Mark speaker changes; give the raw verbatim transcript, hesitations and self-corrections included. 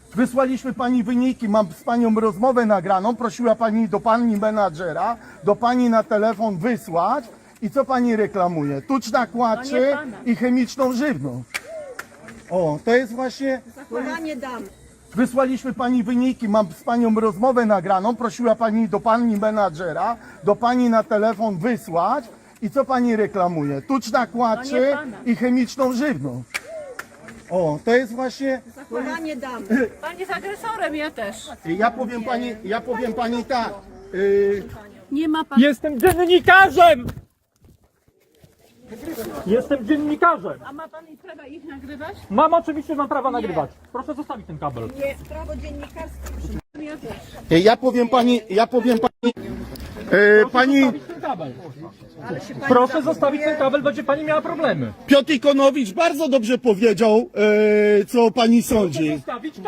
Speaker 1: Wysłaliśmy pani wyniki, mam z panią rozmowę nagraną, prosiła pani do pani menadżera, do pani na telefon wysłać i co pani reklamuje? Tucz na kładczy i chemiczną żywność. O, to jest właśnie...
Speaker 2: Zachowanie dam.
Speaker 1: Wysłaliśmy pani wyniki, mam z panią rozmowę nagraną, prosiła pani do pani menadżera, do pani na telefon wysłać i co pani reklamuje? Tucz na kładczy i chemiczną żywność. O, to jest właśnie...
Speaker 2: Zachowanie dam.
Speaker 3: Pan jest agresorem, ja też.
Speaker 1: Ja powiem pani, ja powiem pani tak. Yy,
Speaker 3: Nie ma pan...
Speaker 4: Jestem dziennikarzem! Jestem dziennikarzem!
Speaker 3: A ma pan prawa ich nagrywać?
Speaker 4: Mam oczywiście, mam prawa nagrywać. Proszę zostawić ten kabel.
Speaker 2: Nie, prawo dziennikarskie.
Speaker 3: Ja też.
Speaker 1: ja powiem pani, ja powiem pani. Yy, pani
Speaker 4: Zostawić ten kabel. Proszę zostawić ten kabel, będzie pani miała problemy.
Speaker 1: Piotr Ikonowicz bardzo dobrze powiedział, yy, co pani sądzi.
Speaker 4: Zostawić